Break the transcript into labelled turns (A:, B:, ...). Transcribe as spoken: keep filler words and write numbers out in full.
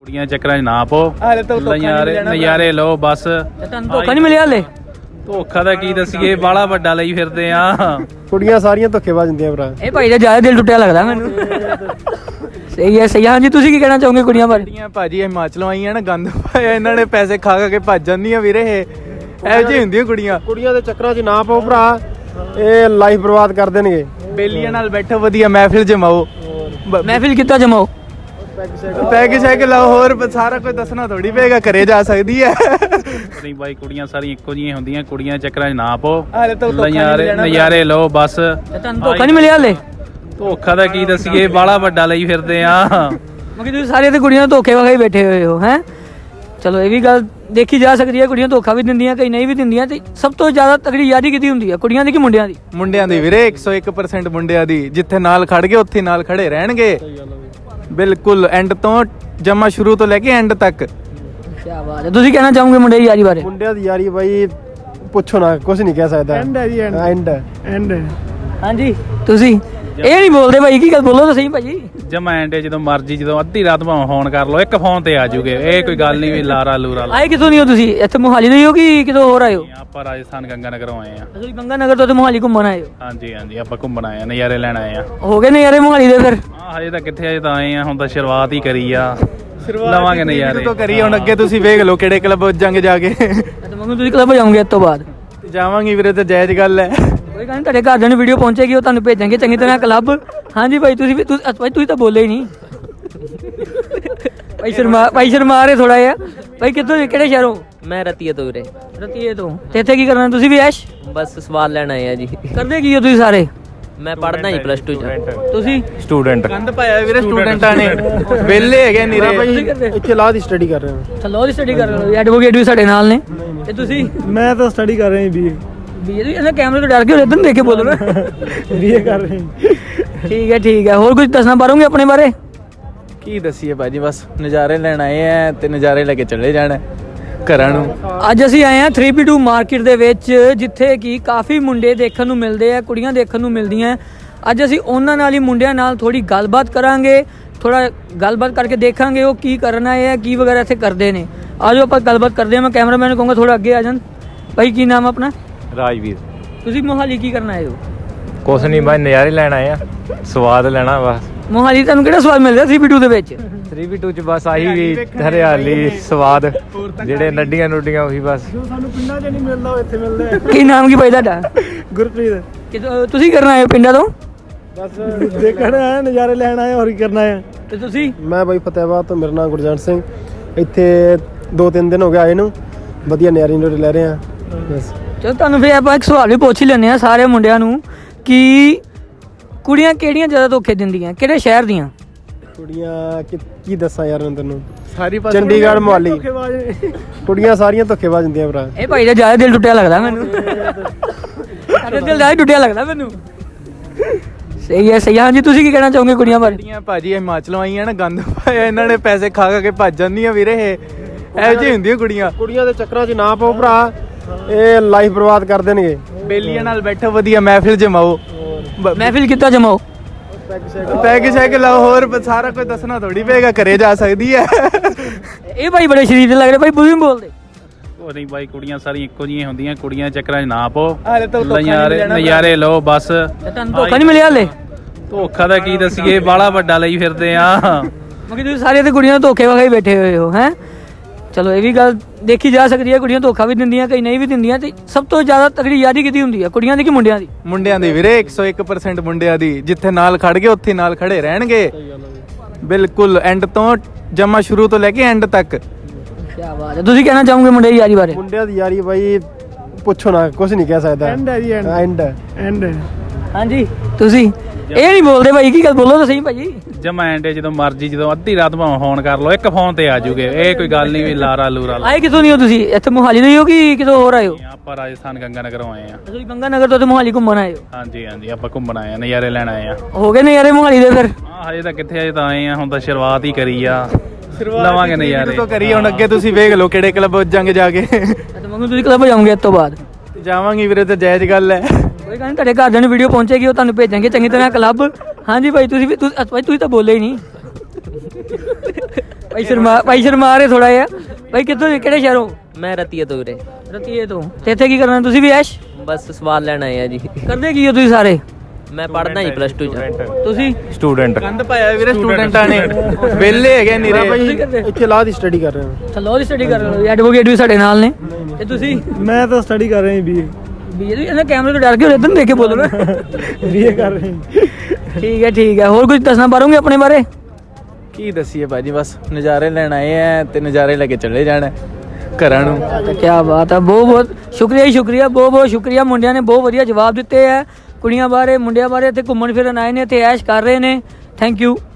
A: ਕੁੜੀਆਂ ਚੱਕਰਾਂ 'ਚ ਨਾ ਪੋ,
B: ਹਾਲੇ ਤਾਂ
A: ਨਜ਼ਾਰੇ ਨਜ਼ਾਰੇ ਲਓ ਬਸ।
C: ਤੁਹਾਨੂੰ ਧੋਖਾ ਨਹੀਂ ਮਿਲਿਆ ਹਲੇ?
A: ਧੋਖਾ ਦਾ ਕੀ ਦੱਸੀਏ, ਬਾਲਾ ਵੱਡਾ ਲਈ ਫਿਰਦੇ ਆ।
D: ਕੁੜੀਆਂ ਸਾਰੀਆਂ ਧੋਖੇਬਾਜ਼ ਹੁੰਦੀਆਂ ਭਰਾ।
C: ਇਹ ਭਾਈ ਦਾ ਜ਼ਿਆਦਾ ਦਿਲ ਟੁੱਟਿਆ ਲੱਗਦਾ ਮੈਨੂੰ। ਸਹੀ ਹੈ ਸਹੀ ਹੈ। ਹਾਂਜੀ ਤੁਸੀਂ ਕੀ ਕਹਿਣਾ ਚਾਹੋਗੇ ਕੁੜੀਆਂ ਬਾਰੇ?
B: ਕੁੜੀਆਂ ਭਾਜੀ ਹਿਮਾਚਲੋਂ ਆਈਆਂ ਨਾ, ਗੰਦ ਪਾਇਆ ਇਹਨਾਂ ਨੇ, ਪੈਸੇ ਖਾ ਖਾ ਕੇ ਭੱਜ ਜਾਂਦੀਆਂ ਵੀਰੇ। ਇਹ ਇਹੋ ਜਿਹੀ ਹੁੰਦੀਆਂ ਕੁੜੀਆਂ।
D: ਕੁੜੀਆਂ ਦੇ ਚੱਕਰਾਂ 'ਚ ਨਾ ਪਾਓ ਭਰਾ, ਇਹ ਲਾਈਫ ਬਰਬਾਦ ਕਰ ਦੇਣਗੇ।
B: ਬੇਲੀਆਂ ਨਾਲ ਬੈਠੋ, ਵਧੀਆ ਮਹਿਫਿਲ ਜਮਾਓ,
C: ਮਹਿਫਿਲ ਕਿੱਦਾਂ ਜਮਾਓ?
B: ਪੈਗ ਸ਼ੈਗ ਲਾਓ, ਹੋਰ ਸਾਰਾ ਕੁਝ ਦੱਸਣਾ ਥੋੜੀ ਪਏਗਾ, ਘਰੇ ਜਾ ਸਕਦੀ ਹੈ।
A: ਨਹੀਂ ਬਾਈ, ਕੁੜੀਆਂ ਸਾਰੀਆਂ ਇੱਕੋ ਜਿਹੀਆਂ ਹੁੰਦੀਆਂ, ਕੁੜੀਆਂ ਚੱਕਰਾਂ 'ਚ ਨਾ ਪੋ,
B: ਹਾਲੇ ਤਾਂ
A: ਨਜ਼ਾਰੇ ਨਜ਼ਾਰੇ ਲਓ ਬਸ।
C: ਤੁਹਾਨੂੰ ਧੋਖਾ ਨਹੀਂ ਮਿਲਿਆ ਹਲੇ?
A: ਧੋਖਾ ਦਾ ਕੀ ਦੱਸੀਏ, ਬਾਲਾ ਵੱਡਾ ਲਈ ਫਿਰਦੇ ਆ।
C: ਮਗਰ ਤੁਸੀਂ ਸਾਰੇ ਤੇ ਕੁੜੀਆਂ ਧੋਖੇ ਵਖਾਈ ਬੈਠੇ ਹੋਏ ਹੋ ਹੈ। ਚਲੋ ਇਹ ਵੀ ਗੱਲ ਦੇਖੀ ਜਾ ਸਕਦੀ ਹੈ, ਕੁੜੀਆਂ ਧੋਖਾ ਵੀ ਦਿੰਦੀਆਂ, ਕਈ ਨਹੀਂ ਵੀ ਦਿੰਦੀਆਂ। ਤੇ ਸਭ ਤੋਂ ਜ਼ਿਆਦਾ ਤਗੜੀ ਯਾਰੀ ਕਿਹਦੀ ਹੁੰਦੀ ਹੈ, ਕੁੜੀਆਂ ਦੀ ਕਿ ਮੁੰਡਿਆਂ ਦੀ?
B: ਮੁੰਡਿਆਂ ਦੀ ਵੀਰੇ, ਇੱਕ ਸੌ ਇੱਕ ਪਰਸੈਂਟ ਮੁੰਡਿਆਂ ਦੀ। ਜਿੱਥੇ ਨਾਲ ਖੜ ਗਏ ਉੱਥੇ ਨਾਲ ਖੜੇ ਰਹਿਣਗੇ, ਬਿਲਕੁਲ ਐਂਡ ਤੋਂ ਜਮਾ, ਸ਼ੁਰੂ ਤੋਂ ਲੈ ਕੇ ਐਂਡ ਤੱਕ।
C: ਕੀ ਬਾਤ ਹੈ। ਤੁਸੀਂ ਕਹਿਣਾ ਚਾਹੋਗੇ ਮੁੰਡੇ ਦੀ ਯਾਰੀ ਬਾਰੇ?
D: ਮੁੰਡਿਆਂ ਦੀ ਯਾਰੀ ਬਾਈ ਪੁੱਛੋ ਨਾ, ਕੁਝ ਨਹੀਂ ਕਹਿ ਸਕਦਾ। ਐਂਡ ਹੈ ਜੀ, ਐਂਡ ਐਂਡ।
C: ਹਾਂਜੀ ਤੁਸੀਂ ਇਹ ਨਹੀਂ ਬੋਲਦੇ ਭਾਈ, ਕੀ ਗੱਲ ਬੋਲੋ ਤਾਂ ਸਹੀ ਭਾਜੀ।
A: ਜਮਾ ਐਂਡੇ, ਜਦੋਂ ਮਰਜੀ, ਜਦੋਂ ਅੱਧੀ ਰਾਤ ਭਾਵੇਂ ਫੋਨ ਕਰ ਲਓ, ਇੱਕ ਫੋਨ ਤੇ ਆ ਜੂਗੇ। ਇਹ ਕੋਈ ਗੱਲ ਨਹੀਂ ਵੀ ਲਾਰਾ ਲੂਰਾ ਲਾ।
C: ਆਏ ਕਿੱਥੋਂ ਨਹੀਂ ਹੋ ਤੁਸੀਂ? ਇੱਥੇ ਮੋਹਾਲੀ ਦੇ ਹੀ ਹੋ ਕਿ ਕਿਤੋਂ ਹੋਰ ਆਏ ਹੋ?
A: ਆਪਾਂ ਰਾਜਸਥਾਨ ਗੰਗਾ ਨਗਰੋਂ ਆਏ ਆ।
C: ਤੁਸੀਂ ਗੰਗਾ ਨਗਰ ਤੋਂ ਤੇ ਮੋਹਾਲੀ ਘੁੰਮਣ ਆਏ ਹੋ?
A: ਹਾਂਜੀ ਹਾਂਜੀ, ਆਪਾਂ ਘੁੰਮਣ ਆਏ ਆ, ਨਜ਼ਾਰੇ ਲੈਣ ਆਏ ਆ।
C: ਹੋ ਗਏ ਨਜ਼ਾਰੇ ਮੋਹਾਲੀ ਦੇ ਫਿਰ?
A: ਹਾਂ ਹਜੇ ਤਾਂ ਕਿੱਥੇ, ਹਜੇ ਤਾਂ ਆਏ ਆ, ਹੁਣ ਤਾਂ ਸ਼ੁਰੂਆਤ ਹੀ ਕਰੀ ਆ, ਲਵਾਂਗੇ ਨਜ਼ਾਰੇ।
B: ਤੋਂ ਕਰੀ ਹੁਣ, ਅੱਗੇ ਤੁਸੀਂ ਵੇਖ ਲਓ ਕਿਹੜੇ ਕਲੱਬ ਜਾਂਗੇ ਜਾ ਕੇ।
C: ਤੇ ਮੰਮੀ ਤੁਸੀਂ ਕਲੱਬ ਜਾਓਗੇ ਇਸ ਤੋਂ ਬਾਅਦ?
B: ਜਾਵਾਂਗੀ ਵੀਰੇ, ਤੇ ਜਾਇਜ਼ ਗੱਲ ਹੈ।
C: ਕੋਈ ਗੱਲ ਨਹੀਂ, ਤੁਹਾਡੇ ਘਰਦਿਆਂ ਨੂੰ ਵੀਡੀਓ ਪਹੁੰਚੇਗੀ, ਉਹ ਤੁਹਾਨੂੰ ਭੇਜਾਂਗੇ ਚੰਗੀ ਤਰ੍ਹਾਂ ਕਲੱਬ। ਹਾਂਜੀ ਭਾਈ ਤੁਸੀਂ ਵੀ ਤੁਸੀਂ ਭਾਈ ਤੁਸੀਂ ਤਾਂ ਬੋਲੇ ਹੀ ਨਹੀਂ। ਭਾਈ ਸ਼ਰਮਾ ਭਾਈ ਸ਼ਰਮਾ ਰਹੇ ਥੋੜਾ ਜਿਹਾ। ਭਾਈ ਕਿੱਥੋਂ, ਕਿਹੜੇ ਸ਼ਹਿਰੋਂ?
E: ਮੈਂ ਰਤੀਏ ਤੋਂ ਵੀਰੇ।
C: ਰਤੀਏ ਤੋਂ। ਤੇ ਇੱਥੇ ਕੀ ਕਰਨਾ ਤੁਸੀਂ ਵੀ ਐਸ਼
E: ਬਸ ਸਵਾਲ ਲੈਣ ਆਏ ਆ ਜੀ।
C: ਕਰਦੇ ਕੀ ਹੋ ਤੁਸੀਂ ਸਾਰੇ?
E: ਮੈਂ ਪੜ੍ਹਦਾ ਜੀ ਪਲੱਸ ਟੂ ਚ।
C: ਤੁਸੀਂ?
B: ਸਟੂਡੈਂਟ। ਗੰਦ ਪਾਇਆ ਵੀਰੇ ਸਟੂਡੈਂਟਾਂ ਨੇ, ਵਿਹਲੇ ਹੈਗੇ ਨੀਰੇ।
D: ਇੱਥੇ ਲਾਹ ਦੀ ਸਟੱਡੀ ਕਰ ਰਹੇ ਹਾਂ।
C: ਚਲੋ ਦੀ ਸਟੱਡੀ ਕਰ ਰਹੇ ਹੋ, ਐਡਵੋਕੇਟ ਵੀ ਸਾਡੇ ਨਾਲ ਨੇ। ਤੇ ਤੁਸੀਂ?
D: ਮੈਂ ਤਾਂ ਸਟੱਡੀ ਕਰ ਰਿਹਾ ਬੀਏ।
C: ਬੀਏ ਦੀ? ਇਹਨਾਂ ਕੈਮਰੇ ਤੋਂ ਡਰ ਕੇ ਇਧਰ ਦੇਖ ਕੇ ਬੋਲੋ ਨਾ।
D: ਬੀਏ ਕਰ ਰਹੇ।
C: ਠੀਕ ਹੈ ਠੀਕ ਹੈ। ਹੋਰ ਕੁਝ ਦੱਸਣਾ ਪਾਰੋਗੇ ਆਪਣੇ ਬਾਰੇ?
B: ਕੀ ਦੱਸੀਏ ਭਾਜੀ, ਬਸ ਨਜ਼ਾਰੇ ਲੈਣ ਆਏ ਆ ਤੇ ਨਜ਼ਾਰੇ ਲੈ ਕੇ ਚਲੇ ਜਾਣਾ ਘਰਾਂ ਨੂੰ।
C: ਅੱਜ ਅਸੀਂ ਆਏ ਹਾਂ ਥ੍ਰੀ ਪੀ ਟੂ ਮਾਰਕੀਟ ਦੇ ਵਿੱਚ, ਜਿੱਥੇ ਕਿ ਕਾਫੀ ਮੁੰਡੇ ਦੇਖਣ ਨੂੰ ਮਿਲਦੇ ਆ, ਕੁੜੀਆਂ ਦੇਖਣ ਨੂੰ ਮਿਲਦੀਆਂ। ਅੱਜ ਅਸੀਂ ਉਹਨਾਂ ਨਾਲ ਹੀ, ਮੁੰਡਿਆਂ ਨਾਲ ਥੋੜੀ ਗੱਲਬਾਤ ਕਰਾਂਗੇ, ਥੋੜਾ ਗੱਲਬਾਤ ਕਰਕੇ ਦੇਖਾਂਗੇ ਉਹ ਕੀ ਕਰਨਾ ਹੈ, ਕੀ ਵਗੈਰਾ ਇੱਥੇ ਕਰਦੇ ਨੇ। ਆਜੋ ਆਪਾਂ ਗੱਲਬਾਤ ਕਰਦੇ ਹਾਂ। ਮੈਂ ਕੈਮਰਾਮੈਨ ਨੂੰ ਕਹੂੰਗਾ ਥੋੜਾ ਅੱਗੇ ਆ ਜਾਣ। ਭਾਈ ਕੀ ਨਾਮ ਆਪਣਾ?
F: ਰਾਜਵੀਰ।
C: ਤੁਸੀਂ ਮੋਹਾਲੀ ਕੀ ਕਰਨ ਆਏ ਹੋ?
F: ਕੁਛ ਨਹੀਂ ਬਾਈ, ਨਜ਼ਾਰੇ ਲੈਣ ਆਏ ਆ, ਸਵਾਦ ਲੈਣਾ ਬਸ।
C: ਮੋਹਾਲੀ ਤੁਹਾਨੂੰ ਕਿਹੜਾ ਸਵਾਦ ਮਿਲ ਰਿਹਾ ਥ੍ਰੀ ਪੀ ਟੂ ਦੇ ਵਿੱਚ?
F: ਥ੍ਰੀ ਬੀ ਟੂ ਚ ਬਸ ਆਹੀ ਵੀ ਹਰਿਆਲੀ, ਸਵਾਦ, ਜਿਹੜੇ ਨੱਡੀਆਂ ਨੁੱਡੀਆਂ ਉਹੀ ਬਸ।
D: ਸਾਨੂੰ ਪਿੰਡਾਂ 'ਚ ਨਹੀਂ ਮਿਲਦਾ, ਉਹ ਇੱਥੇ ਮਿਲਦਾ।
C: ਕੀ ਨਾਮ ਕੀ ਭਾਈ ਤੁਹਾਡਾ?
D: ਗੁਰਪ੍ਰੀਤ।
C: ਕਿਤੋਂ ਤੁਸੀਂ ਕਰਨ ਆਏ ਹੋ ਪਿੰਡਾਂ ਤੋਂ?
D: ਬਸ ਦੇਖਣ ਆਏ, ਨਜ਼ਾਰੇ ਲੈਣ ਆਏ, ਹੋਰ ਕੀ ਕਰਨਾ ਹੈ।
C: ਤੇ ਤੁਸੀਂ?
D: ਮੈਂ ਬਾਈ ਫਤਿਹਾਬਾਦ ਤੋਂ, ਮੇਰਾ ਨਾਮ ਗੁਰਜੰਟ ਸਿੰਘ। ਇੱਥੇ ਦੋ ਤਿੰਨ ਦਿਨ ਹੋ ਗਏ ਆਏ ਨੂੰ, ਵਧੀਆ ਨਜ਼ਾਰੇ ਨਜ਼ਾਰੇ ਲੈ ਰਹੇ ਆ ਬਸ।
C: ਚਲੋ ਤੁਹਾਨੂੰ ਫਿਰ ਆਪਾਂ ਇੱਕ ਸਵਾਲ ਵੀ ਪੁੱਛ ਹੀ ਲੈਂਦੇ ਆ ਸਾਰੇ ਮੁੰਡਿਆਂ ਨੂੰ ਕਿ ਕੁੜੀਆਂ ਕਿਹੜੀਆਂ ਜ਼ਿਆਦਾ ਧੋਖੇ ਦਿੰਦੀਆਂ, ਕਿਹੜੇ ਸ਼ਹਿਰ ਦੀਆਂ?
D: ਕੁੜੀਆਂ ਕੀ ਕੀ ਦੱਸਾਂ ਯਾਰ ਮੈਂ ਤੈਨੂੰ,
B: ਸਾਰੀ ਪਾਸੇ
D: ਚੰਡੀਗੜ੍ਹ, ਮੋਹਾਲੀ। ਕੁੜੀਆਂ ਸਾਰੀਆਂ ਧੋਖੇਬਾਜ਼ ਹੁੰਦੀਆਂ ਭਰਾ।
C: ਇਹ ਭਾਈ ਦਾ ਜ਼ਿਆਦਾ ਦਿਲ ਟੁੱਟਿਆ ਲੱਗਦਾ ਮੈਨੂੰ। ਤੁਹਾਡਾ ਦਿਲ ਜ਼ਿਆਦਾ ਟੁੱਟਿਆ ਲੱਗਦਾ ਮੈਨੂੰ। ਸਹੀ ਹੈ ਸਹੀ ਹੈ। ਹਾਂਜੀ ਤੁਸੀਂ ਕੀ ਕਹਿਣਾ ਚਾਹੋਗੇ ਕੁੜੀਆਂ ਬਾਰੇ?
B: ਕੁੜੀਆਂ ਭਾਜੀ ਹਿਮਾਚਲੋਂ ਆਈਆਂ ਨਾ, ਗੰਦ ਪਾਇਆ ਇਹਨਾਂ ਨੇ, ਪੈਸੇ ਖਾ ਖਾ ਕੇ ਭੱਜ ਜਾਂਦੀਆਂ ਵੀਰੇ। ਇਹ ਇਹੋ ਜਿਹੀ ਹੁੰਦੀਆਂ ਕੁੜੀਆਂ।
D: ਕੁੜੀਆਂ ਦੇ ਚੱਕਰਾਂ 'ਚ ਨਾ ਪਾਓ ਭਰਾ, ਇਹ ਲਾਈਫ ਬਰਬਾਦ ਕਰ ਦੇਣਗੇ।
B: ਬੇਲੀਆਂ ਨਾਲ ਬੈਠੋ, ਵਧੀਆ ਮਹਿਫਿਲ ਜਮਾਓ,
C: ਮਹਿਫਿਲ ਕਿੱਦਾਂ ਜਮਾਓ?
B: ਪੈਗ ਸ਼ੈਗ ਲਾਓ, ਹੋਰ ਸਾਰਾ ਕੁਝ ਦੱਸਣਾ ਥੋੜੀ ਪਏਗਾ, ਘਰੇ ਜਾ ਸਕਦੀ ਹੈ।
C: ਇਹ ਭਾਈ ਬੜੇ ਸ਼ਰੀਫ ਲੱਗ ਰਹੇ ਭਾਈ, ਬੁਝੀ ਬੋਲਦੇ।
A: ਉਹ ਨਹੀਂ ਬਾਈ, ਕੁੜੀਆਂ ਸਾਰੀਆਂ ਇੱਕੋ ਜਿਹੀਆਂ ਹੁੰਦੀਆਂ, ਕੁੜੀਆਂ ਚੱਕਰਾਂ 'ਚ ਨਾ ਪੋ,
B: ਹਾਲੇ ਤਾਂ
A: ਨਜ਼ਾਰੇ ਨਜ਼ਾਰੇ ਲਓ ਬਸ।
C: ਤੁਹਾਨੂੰ ਧੋਖਾ ਨਹੀਂ ਮਿਲਿਆ ਹਲੇ?
A: ਧੋਖਾ ਦਾ ਕੀ ਦੱਸੀਏ, ਬਾਲਾ ਵੱਡਾ ਲਈ ਫਿਰਦੇ ਆ।
C: ਮਗਰ ਤੁਸੀਂ ਸਾਰੇ ਤੇ ਕੁੜੀਆਂ ਧੋਖੇ ਵਖਾਈ ਬੈਠੇ ਹੋਏ ਹੋ ਹੈ। ਚਲੋ ਇਹ ਵੀ ਗੱਲ ਦੇਖੀ ਜਾ ਸਕਦੀ ਹੈ, ਕੁੜੀਆਂ ਧੋਖਾ ਵੀ ਦਿੰਦੀਆਂ, ਕਈ ਨਹੀਂ ਵੀ ਦਿੰਦੀਆਂ। ਤੇ ਸਭ ਤੋਂ ਜ਼ਿਆਦਾ ਤਗੜੀ ਯਾਰੀ ਕਿਹਦੀ ਹੁੰਦੀ ਹੈ, ਕੁੜੀਆਂ ਦੀ ਕਿ ਮੁੰਡਿਆਂ ਦੀ?
B: ਮੁੰਡਿਆਂ ਦੀ ਵੀਰੇ, ਇੱਕ ਸੌ ਇੱਕ ਪਰਸੈਂਟ ਮੁੰਡਿਆਂ ਦੀ। ਜਿੱਥੇ ਨਾਲ ਖੜ ਗਏ ਉੱਥੇ ਨਾਲ ਖੜੇ ਰਹਿਣਗੇ, ਬਿਲਕੁਲ ਐਂਡ ਤੋਂ ਜਮਾ, ਸ਼ੁਰੂ ਤੋਂ ਲੈ ਕੇ ਐਂਡ ਤੱਕ।
C: ਕੀ ਬਾਤ ਹੈ। ਤੁਸੀਂ ਕਹਿਣਾ ਚਾਹੋਗੇ ਮੁੰਡੇ ਦੀ ਯਾਰੀ ਬਾਰੇ?
D: ਮੁੰਡਿਆਂ ਦੀ ਯਾਰੀ ਬਾਈ ਪੁੱਛੋ ਨਾ, ਕੁਝ ਨਹੀਂ ਕਹਿ ਸਕਦਾ। ਐਂਡ ਹੈ ਜੀ, ਐਂਡ ਐਂਡ।
C: ਹਾਂਜੀ ਤੁਸੀਂ ਇਹ ਨਹੀਂ ਬੋਲਦੇ ਭਾਈ, ਕੀ ਗੱਲ ਬੋਲੋ ਤਾਂ ਸਹੀ ਭਾਜੀ।
A: ਜਮਾ ਐਂਡੇ, ਜਦੋਂ ਮਰਜੀ, ਜਦੋਂ ਅੱਧੀ ਰਾਤ ਭਾਵੇਂ ਫੋਨ ਕਰ ਲਓ, ਇੱਕ ਫੋਨ ਤੇ ਆ ਜੂਗੇ। ਇਹ ਕੋਈ ਗੱਲ ਨਹੀਂ ਵੀ ਲਾਰਾ ਲੂਰਾ ਲਾ।
C: ਆਏ ਕਿੱਥੋਂ ਨਹੀਂ ਹੋ ਤੁਸੀਂ? ਇੱਥੇ ਮੋਹਾਲੀ ਦੇ ਹੀ ਹੋ ਕਿ ਕਿਤੋਂ ਹੋਰ ਆਏ ਹੋ?
A: ਆਪਾਂ ਰਾਜਸਥਾਨ ਗੰਗਾ ਨਗਰੋਂ ਆਏ ਆ।
C: ਤੁਸੀਂ ਗੰਗਾ ਨਗਰ ਤੋਂ ਤੇ ਮੋਹਾਲੀ ਘੁੰਮਣ ਆਏ ਹੋ?
A: ਹਾਂਜੀ ਹਾਂਜੀ, ਆਪਾਂ ਘੁੰਮਣ ਆਏ ਆ, ਨਜ਼ਾਰੇ ਲੈਣ ਆਏ ਆ।
C: ਹੋ ਗਏ ਨਜ਼ਾਰੇ ਮੋਹਾਲੀ ਦੇ ਫਿਰ?
A: ਹਾਂ ਹਜੇ ਤਾਂ ਕਿੱਥੇ, ਹਜੇ ਤਾਂ ਆਏ ਆ, ਹੁਣ ਤਾਂ ਸ਼ੁਰੂਆਤ ਹੀ ਕਰੀ ਆ, ਲਵਾਂਗੇ ਨਜ਼ਾਰੇ।
B: ਤੋਂ ਕਰੀ ਹੁਣ, ਅੱਗੇ ਤੁਸੀਂ ਵੇਖ ਲਓ ਕਿਹੜੇ ਕਲੱਬ ਜਾਂਗੇ ਜਾ ਕੇ।
C: ਤੇ ਮੰਮੀ ਤੁਸੀਂ ਕਲੱਬ ਜਾਓਗੇ ਇਸ ਤੋਂ ਬਾਅਦ?
B: ਜਾਵਾਂਗੀ ਵੀਰੇ, ਤੇ ਜਾਇਜ਼ ਗੱਲ ਹੈ।
C: ਕੋਈ ਗੱਲ ਨਹੀਂ, ਤੁਹਾਡੇ ਘਰਦਿਆਂ ਨੂੰ ਵੀਡੀਓ ਪਹੁੰਚੇਗੀ, ਉਹ ਤੁਹਾਨੂੰ ਭੇਜਾਂਗੇ ਚੰਗੀ ਤਰ੍ਹਾਂ ਕਲੱਬ। ਹਾਂਜੀ ਭਾਈ ਤੁਸੀਂ ਵੀ ਤੁਸੀਂ ਭਾਈ ਤੁਸੀਂ ਤਾਂ ਬੋਲੇ ਹੀ ਨਹੀਂ। ਭਾਈ ਸ਼ਰਮਾ ਭਾਈ ਸ਼ਰਮਾ ਰਹੇ ਥੋੜਾ ਜਿਹਾ। ਭਾਈ ਕਿੱਥੋਂ ਕਿਹੜੇ ਸ਼ਹਿਰੋਂ?
E: ਮੈਂ ਰਤੀਏ ਤੋਂ ਵੀਰੇ।
C: ਰਤੀਏ ਤੋਂ। ਤੇ ਇੱਥੇ ਕੀ ਕਰਨਾ ਤੁਸੀਂ ਵੀ ਐਸ਼
E: ਬਸ ਸਵਾਦ ਲੈਣ ਆਏ ਆ ਜੀ।
C: ਕਰਦੇ ਕੀ ਹੋ ਤੁਸੀਂ ਸਾਰੇ?
E: ਮੈਂ ਪੜਦਾ ਜੀ ਪਲੱਸ ਟੂ ਚ।
C: ਤੁਸੀਂ
F: ਸਟੂਡੈਂਟ
B: ਕੰਧ ਪਾਇਆ ਵੀਰੇ ਸਟੂਡੈਂਟਾਂ ਨੇ, ਵਿਹਲੇ ਹੈਗੇ ਨੀਰੇ।
C: ਤੁਸੀਂ ਕਰਦੇ?
D: ਇੱਥੇ ਲਾਅ ਦੀ ਸਟੱਡੀ ਕਰ ਰਹੇ ਹਾਂ।
C: ਚਲੋ ਦੀ ਸਟੱਡੀ ਕਰ ਰਹੇ ਹੋ, ਐਡਵੋਕੇਟ ਵੀ ਸਾਡੇ ਨਾਲ ਨੇ। ਤੇ ਤੁਸੀਂ?
D: ਮੈਂ ਤਾਂ ਸਟੱਡੀ ਕਰ ਰਿਹਾ ਬੀਏ
C: ਵੀ ਇਹਨਾਂ ਕੈਮਰੇ ਤੋਂ ਡਰ ਕੇ ਇਦਾਂ ਦੇਖ ਕੇ ਬੋਲੋ ਨਾ।
D: ਬੀਏ ਕਰ ਰਹੇ
C: ਠੀਕ ਹੈ ਠੀਕ ਹੈ। ਹੋਰ ਕੁਝ ਦੱਸਣਾ ਪਾਰੋਗੇ ਆਪਣੇ ਬਾਰੇ?
B: ਕੀ ਦੱਸੀਏ ਭਾਜੀ, ਬਸ ਨਜ਼ਾਰੇ ਲੈਣ ਆਏ ਆ ਤੇ ਨਜ਼ਾਰੇ ਲੈ ਕੇ ਚਲੇ ਜਾਣਾ ਘਰਾਂ ਨੂੰ।
C: ਕੀ ਬਾਤ ਹੈ, ਬਹੁਤ ਬਹੁਤ ਸ਼ੁਕਰੀਆ ਜੀ, ਸ਼ੁਕਰੀਆ, ਬਹੁਤ ਬਹੁਤ ਸ਼ੁਕਰੀਆ। ਮੁੰਡਿਆਂ ਨੇ ਬਹੁਤ ਵਧੀਆ ਜਵਾਬ ਦਿੱਤੇ ਹੈ। ਕੁੜੀਆਂ ਬਾਰੇ ਮੁੰਡਿਆਂ ਬਾਰੇ ਇੱਥੇ ਘੁੰਮਣ ਫਿਰਨ ਆਏ ਨੇ ਤੇ ਐਸ਼ ਕਰ ਰਹੇ ਨੇ। Thank you.